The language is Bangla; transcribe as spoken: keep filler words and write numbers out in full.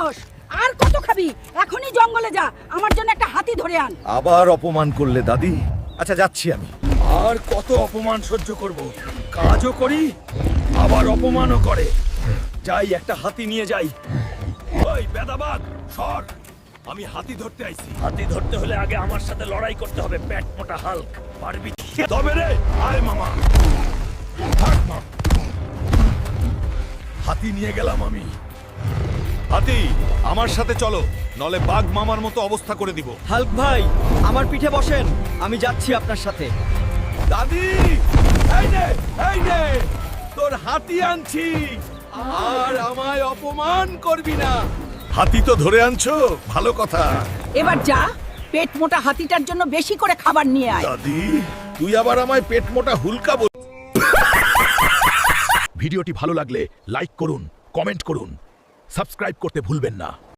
সাহস! আর কত খাবি? এখনই জঙ্গলে যা, আমার জন্য একটা হাতি ধরে আন। আবার অপমান করলে দাদি। আচ্ছা যাচ্ছি আমি। আর কত অপমান সহ্য করব? কাজও করি আবার অপমানও করে। যাই একটা হাতি নিয়ে যাই। ওই বেদাবাগ সর, আমি হাতি ধরতে আইছি। হাতি ধরতে হলে আগে আমার সাথে লড়াই করতে হবে। পেট মোটা হাল্ক, পারবি? তবে রে, আয় মামা। থাক মা। হাতি নিয়ে গেলাম আমি। হাতি আমার সাথে চলো, নলে বাঘ মামার মতো অবস্থা করে দিব। হাল্ক ভাই, আমার পিঠে বসেন, আমি যাচ্ছি আপনার সাথে। দাদি, এই নে, এই নে, তোর হাতি আনছি। আর আমায় অপমান করবি না। হাতি তো ধরে আনছো, ভালো কথা। এবার যা, পেট মোটা হাতিটার জন্য বেশি করে খাবার নিয়ে আয়। দাদি, তুই আবার আমায় পেট মোটা হুলকা বল। ভিডিওটি ভালো লাগলে লাইক করুন, কমেন্ট করুন, সাবস্ক্রাইব করতে ভুলবেন না।